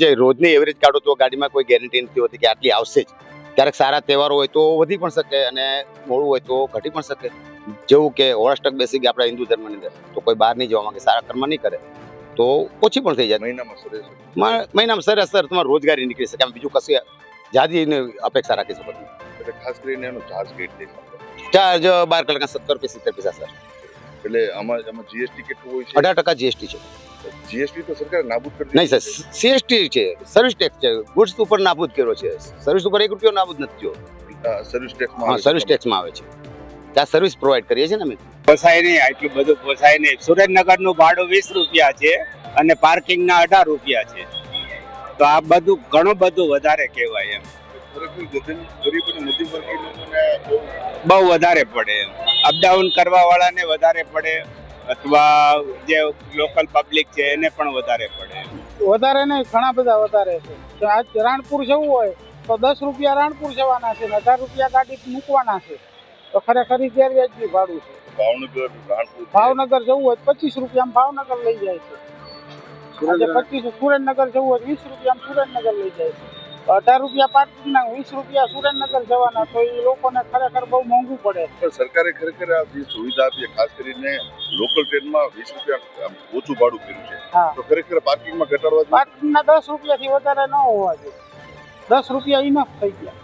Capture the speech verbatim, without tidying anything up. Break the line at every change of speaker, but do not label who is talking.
જે રોજની એવરેજ કાઢો તો ગાડીમાં કોઈ ગેરંટી નથી હોતી કે આટલી આવશે જ. ક્યારેક સારા તહેવારો હોય તો વધી પણ શકે અને મોડું હોય તો ઘટી પણ શકે. જેવું કે હોળાષ્ટક બેસી ગયા આપણા હિન્દુ ધર્મની અંદર, તો કોઈ બહાર નહીં જવા માંગે, સારા કર્મ નહીં કરે તો ઓછી પણ થઈ જાય.
મહિનામાં સરેસ
મહિનામાં સરેસર તમારી રોજગારી નીકળી શકે, આમ બીજું કશું જાજી અપેક્ષા રાખી શકો તમે.
એટલે ખાસ કરીને એનો ચાર્જ કેટલી છે?
ચાર્જ બાર કલાકના સત્તર રૂપિયા સિત્તેર પૈસા સર.
એટલે આમાં આમાં જીએસટી કેટલું હોય છે?
અઢાર ટકા જીએસટી છે.
જીએસટી તો સરકારે નાબૂદ કરી
નહીં સર, સીએસટી છે, સર્વિસ ટેક્સ છે. ગુડ્સ ઉપર નાબૂદ કર્યો છે, સર્વિસ ઉપર એક રૂપિયો નાબૂદ નથી થયો.
સર્વિસ ટેક્સ
હા, સર્વિસ ટેક્સમાં આવે છે. ત્યાં સર્વિસ પ્રોવાઈડ કરીએ છીએ ને અમે.
પોસાય નહીં, આટલું બધું પોસાય નહીં. સુરેન્દ્રનગરનું ભાડું વીસ રૂપિયા છે અને પાર્કિંગના અઢાર રૂપિયા છે, તો આ બધું ઘણું બધું વધારે કહેવાય એમ.
ગરીબ અને મધ્યમ વર્ગીય લોકોને
બહુ વધારે પડે એમ. અપડાઉન કરવા વાળાને વધારે પડે અથવા જે લોકલ પબ્લિક છે એને પણ વધારે પડે.
વધારે નહીં, ઘણા બધા વધારે છે. તો આજ રાણપુર જવું હોય તો દસ રૂપિયા રાણપુર જવાના છે, અઢાર રૂપિયા ગાડી મૂકવાના છે, તો ખરેખર ગેરવ્યાજબી ભાડું છે.
ભાવનગર રાણપુર
ભાવનગર જવું હોય પચીસ રૂપિયામાં ભાવનગર લઈ જાય છે. આજે પચીસ સુરેન્દ્રનગર જવું હોય વીસ રૂપિયામાં સુરેન્દ્રનગર લઈ જાય છે. અઢાર રૂપિયા પાર્કિંગના, વીસ રૂપિયા સુરેન્દ્રનગર જવાના, તો એ લોકોને ખરેખર બહુ મોંઘું પડે.
પણ સરકારે ખરેખર આ જે સુવિધા આપી, ખાસ કરીને લોકલ ટ્રેનમાં વીસ રૂપિયા ઓછું ભાડું કર્યું છે,
હા,
તો ખરેખર પાર્કિંગમાં ઘટાડવા જોઈએ.
પાર્કિંગના દસ રૂપિયાથી વધારે ન હોવા જોઈએ. દસ રૂપિયા ઇનફ થઈ ગયા.